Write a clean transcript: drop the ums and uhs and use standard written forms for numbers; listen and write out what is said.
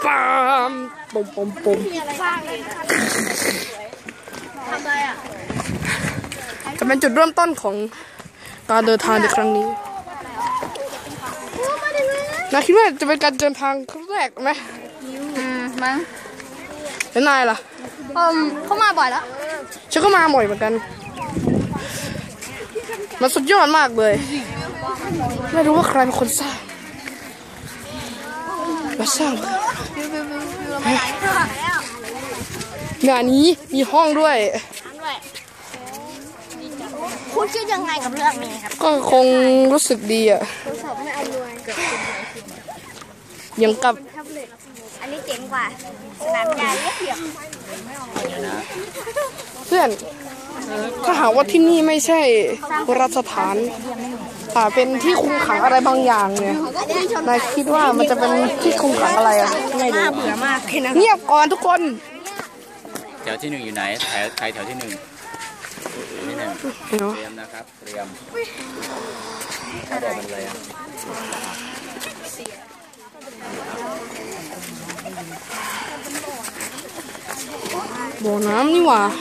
ปามปุ่มปุ่มปุ่มทำอะไรอ่ะจะเป็นจุดเริ่มต้นของการเดินทางในครั้งนี้นายคิดว่าจะเป็นการเดินทางครั้งแรกไหมมั้งแล้วนายล่ะเขามาบ่อยแล้วฉันก็มาบ่อยเหมือนกันมันสุดยอดมากเลยไม่รู้ว่าใครเป็นคนสร้างมาสร้างงานนี้มีห้องด้วยคุณคิดยังไงกับเรื่องนี้ครับก็คงรู้สึกดีอ่ะยังกับอันนี้เจ๋งกว่าสนามใหญ่เทียบเพื่อนถ้าหากว่าที่นี่ไม่ใช่โบราณสถานเป็นที่คุมขังอะไรบางอย่างเนี่ยนายคิดว่ามันจะเป็นที่คุมขังอะไรอ่ะไม่รู้เบื่อมากเงียบก่อนทุกคนแถวที่1อยู่ไหนใครแถวที่1เตรียมนะครับเตรียมอะไรเป็นอะไรอ่ะบ่อน้ำนี่หว่า